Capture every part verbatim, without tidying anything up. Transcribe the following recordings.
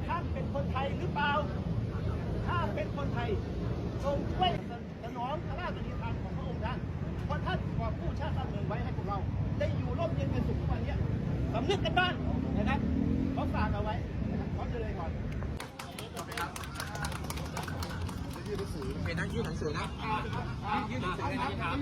ท่านเป็นคนไทยหรือเปล่าถ้าเป็นคนไทยทรงช่วยสนองพระราชนิทานของพระองค์ท่านเพราะท่านกอบกู้ชาติบ้านเมืองไว้ให้พวกเราได้อยู่ร่มเย็นเป็นสุขทุกวันนี้สำนึกกันบ้างนะครับเขาฝากเอาไว้ขอเจริญก่อนเป็นนักยื่นหนังสือนะยื่นหนังสือนะครับ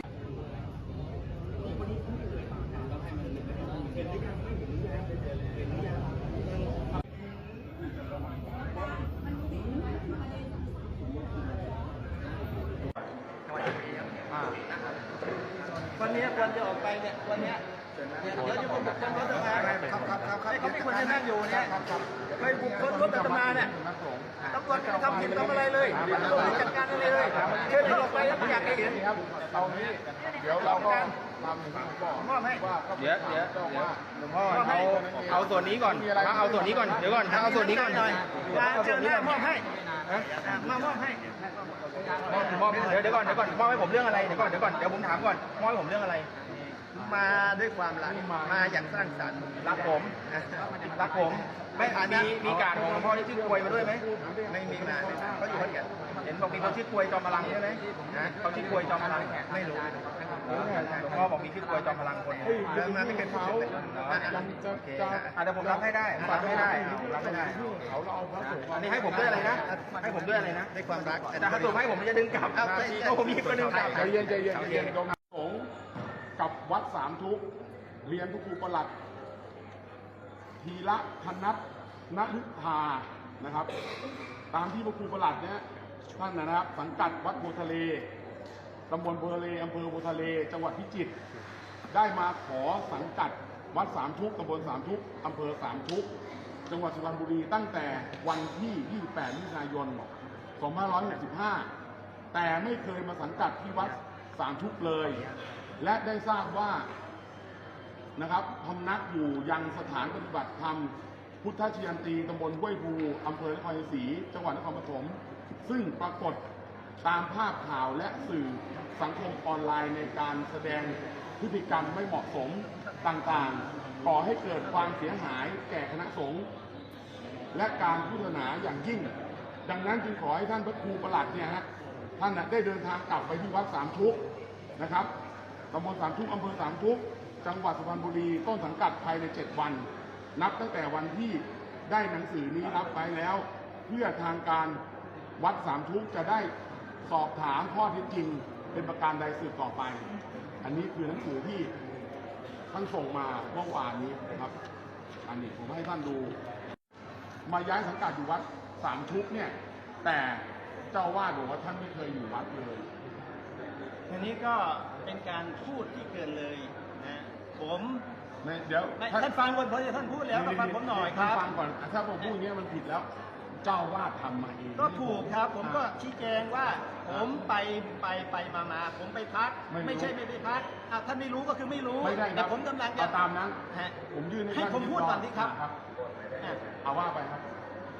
วันนี้ควรจะออกไปเนี่ยวันนี้เดี๋ยวจะบุกบุกคนรถอาตมาครับครับครับครับเขาไม่ควรจะนั่งอยู่เนี่ยไปบุกคนรถอาตมาเนี่ยตำรวจไม่ทำผิดทำอะไรเลยตำรวจไม่จัดการอะไรเลยเชิญเขาออกไปแล้วไม่อยากให้เห็นครับตอนนี้เดี๋ยวเราก็ทำถึงบอกมอบให้เดี๋ยวเดี๋ยวหลวงพ่อเอาเอาส่วนนี้ก่อนมาเอาส่วนนี้ก่อนเดี๋ยวก่อนเอาส่วนนี้ก่อนหน่อยมาเจอหน้ามอบให้มามอบให้มอบมอบเดี๋ยวเดี๋ยวก่อนเดี๋ยวก่อนมอบให้ผมเรื่องอะไรเดี๋ยวก่อนเดี๋ยวก่อนเดี๋ยวผมถามก่อนมอบให้ผมเรื่องอะไรมาด้วยความรักมาอย่างสร้างสรรค์รักผมรักผมไม่มีมีการของหลวงพ่อที่ชื่อกวยมาด้วยไหมไม่มีมาเขาอยู่คนเดียวเห็นบอกมีคนชื่อกวยจอมพลังใช่ไหมเขาชื่อกวยจอมพลังไม่รู้หลวงพ่อบอกมีชื่อกวยจอมพลังคนเดินมาไม่เคยพูดเลยโอเคอาจจะผมรับให้ได้รับให้ได้รับให้ได้อันนี้ให้ผมด้วยอะไรนะให้ผมด้วยอะไรนะด้วยความรักแต่ถ้าตัวให้ผมจะดึงกลับเอาผมมีคนดึงกลับใจเย็นใจเย็นใจเย็นตรงนั้นสงกับวัดสามทุกเรียนทุกครูประหลัดทีละพนัทนฤธานะครับตามที่พระครูประหลัดเนี่ยท่านนะครับสังกัดวัดโพทะเลตำบลโพทะเลอำเภอโพทะเลจังหวัดพิจิตรได้มาขอสังกัดวัดสามทุกตำบลสามทุกอำเภอสามทุกจังหวัดสุพรรณบุรีตั้งแต่วันที่ยี่สิบแปดมิถุนายนสองพันห้าร้อยหกสิบห้าแต่ไม่เคยมาสังกัดที่วัดสามทุกเลยและได้ทราบว่านะครับพำนักอยู่ยังสถานปฏิบัติธรรมพุทธชยันตีตำบลห้วยภูอำเภอนครชัยศรีจังหวัดนครปฐมซึ่งปรากฏตามภาพข่าวและสื่อสังคมออนไลน์ในการแสดงพฤติกรรมไม่เหมาะสมต่างๆก่อให้เกิดความเสียหายแก่คณะสงฆ์และการพุทธศาสนาอย่างยิ่งดังนั้นจึงขอให้ท่านพระครูประหลัดเนี่ยฮะท่านได้เดินทางกลับไปที่วัดสามทุกนะครับตำบลสามทุกอำเภอสามทุกจังหวัดสุพรรณบุรีต้นสังกัดภายในเจ็ดวันนับตั้งแต่วันที่ได้หนังสือนี้รับไปแล้วเพื่อทางการวัดสามทุกจะได้สอบถามข้อเท็จจริงเป็นประการใดสืบต่อไปอันนี้คือหนังสือที่ท่านส่งมาเมื่อวานนี้นะครับอันนี้ผมให้ท่านดูมาย้ายสังกัดอยู่วัดสามทุกเนี่ยแต่เจ้าวาดบอกว่าท่านไม่เคยอยู่วัดเลยทีนี้ก็เป็นการพูดที่เกินเลยนะผมเดี๋ยวท่านฟังก่อนเพราะท่านพูดแล้วก็ฟังผมหน่อยครับฟังก่อนถ้าผมพูดอย่างนี้มันผิดแล้วเจ้าวาดทำมาเองก็ถูกครับผมก็ชี้แจงว่าผมไปไปไปมามาผมไปพักไม่ใช่ไม่ไปพักท่านไม่รู้ก็คือไม่รู้แต่ผมกำลังจะตามนั้นผมยื่นให้ผมพูดก่อนดิครับเอาว่าไปครับ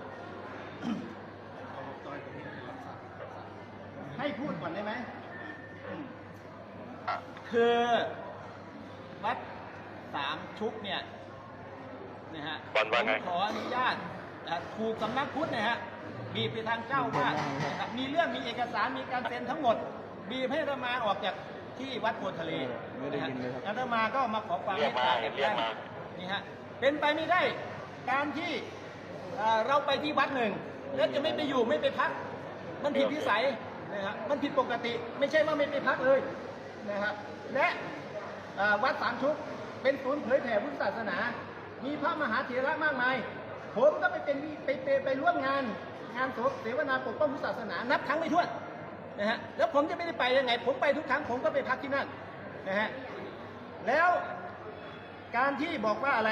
ให้พูดก่อนได้ไหมคือวัดสามชุกเนี่ยนะฮะผมขออนุญาตถูกสำนักพุทธนะฮะบีบไปทางเจ้าว่านะครับมีเรื่องมีเอกสารมีการเซ็นทั้งหมดบีบให้อาตมาออกจากที่วัดโพทะเลนะฮะอาตมาก็มาขอความเมตตาจากท่านนี่ฮะเป็นไปไม่ได้การที่เราไปที่วัดหนึ่งแล้วจะไม่ไปอยู่ไม่ไปพักมันผิดวิสัยนะครับมันผิดปกติไม่ใช่ว่าไม่ไปพักเลยนะครับและวัดสามชุกเป็นศูนย์เผยแผ่พุทธศาสนามีพระมหาเถระมากมายผมก็ไปเป็นไปไปไปร่วมงานงานเสวนาปกป้องพุทธศาสนานับครั้งไม่ถ้วนนะฮะแล้วผมจะไม่ได้ไปยังไงผมไปทุกครั้งผมก็ไปพักที่นั่นนะฮะแล้วการที่บอกว่าอะไร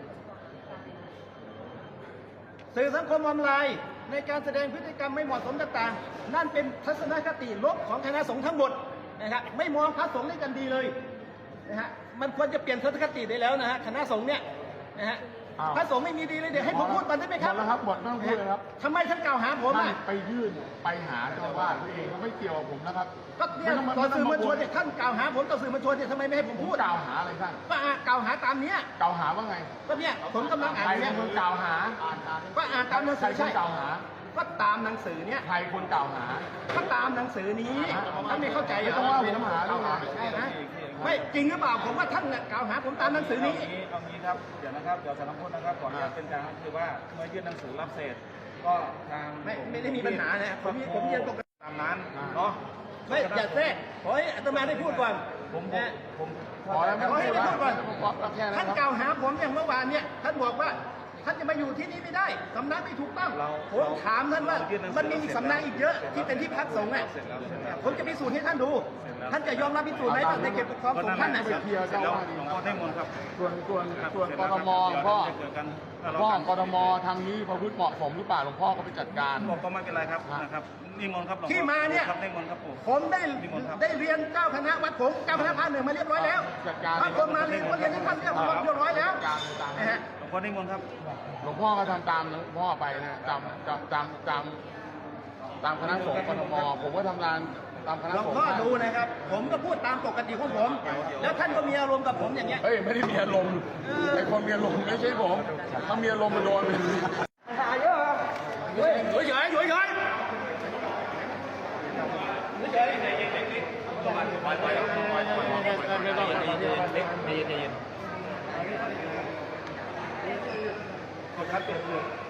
สื่อสังคมออนไลน์ในการแสดงพฤติกรรมไม่เหมาะสมต่างๆนั่นเป็นทัศนคติลบของคณะสงฆ์ทั้งหมดนะครับไม่มองพระสงฆ์ด้วยกันดีเลยนะฮะมันควรจะเปลี่ยนทัศนคติได้แล้วนะฮะคณะสงฆ์เนี่ยนะฮะพระสงฆ์ไม่มีดีเลยเดี๋ยวให้ผมพูดก่อนได้ไหมครับหมดแล้วครับหมดไม่ต้องพูดเลยครับทำไมท่านกล่าวหาผมอ่ะไปยื่นไปหาเจ้าวาดตัวเองไม่เกี่ยวกับผมนะครับก็เนี่ยต่อสื่อมวลชนเนี่ยท่านกล่าวหาผมต่อสื่อมวลชนเนี่ยทำไมไม่ให้ผมพูดกล่าวหาอะไรท่านก็กล่าวหาตามเนี้ยกล่าวหาว่าไงก็เนี่ยผมกำลังอ่านเนี่ยมึงกล่าวหาก็อ่านตามหนังใครสือคใช่นกล่าวหาก็ตามหนังสือเนี้ยใครคนกล่าวหาก็ตามหนังสือนี้ท่านไม่เข้าใจเหรไม่ต้องว่าผมหากล่าวหาใช่ไหมไม่จริงหรือเปล่าผมว่าท่านน่ะกล่าวหาผมตามหนังสือนี้เอางี้เอางี้ครับเดี๋ยวนะครับเดี๋ยวสารพัดนะครับก่อนจะเป็นการคือว่าเมื่อยื่นหนังสือรับเศษก็ทางไม่ไม่ได้มีปัญหานะผมผมยังตกตามนั้นเนาะไม่อย่าแทรกขอให้อาตมาได้พูดก่อนผมผมนะผมพอแล้วไม่ขอให้ได้พูดก่อนแค่นั้ท่านนคกรับล่าวหาผมอย่างเมื่อวานเนี่ยท่านบอกว่าท่านจะมาอยู่ที่นี่ไม่ได้สำนักไม่ถูกต้องผมถามท่านว่ามันมีอีกสำนักอีกเยอะที่เป็นที่พักสงฆ์อ่ะผมจะพิสูจน์ให้ท่านดู ท่านจะยอมรับพิสูจน์ไหมในเขตปกครองของท่านน่ะไปเคลียร์เสร็จเจ้าแล้วว่าดีหลวงพ่อได้มนต์ครับส่วนส่วนส่วนเสร็จกแล้วทครับมหลวงพ่อเดี๋ยวจะเจอกันพ่อกทมทางนี้ประพฤติเหมาะสมหรือเปล่าหลวงพ่อก็ไปจัดการบอกก็ไม่เป็นไรครับนะครับนิมนต์ครับหลวงพ่อที่มาเนี่ยครับนิมนต์ครับผมผมได้ได้เรียนเจ้าคณะวัดผมเจ้าคณะภาคหนึ่งมาเรียบร้อยแล้วจัดการถ้าคนมาเรียนก็เรียนที่ท่านเรียบร้อยแล้วนะฮะหลวงพ่อนิมนต์ครับหลวงพ่อก็ทำตามหลวงพ่อไปนะตามตามตามตามตามคณะสงฆ์กทมผมก็ทำงานตามคณะหลวงสงฆ์พ่อดูนะครับ ผมก็พูดตามปกติของผม แล้วท่านก็มีอารมณ์กับผมอย่างเงี้ยเฮ้ยไม่ได้มีอารมณ์ไอ้คนมีอารมณ์ไม่ใช่ผมถ้ามีอารมณ์มันโดนหาเยอะครับเฮ้ยเฉยเฉยเฉยเฉยไม่ต้องใจเย็นใจเย็นกดคัดเป็น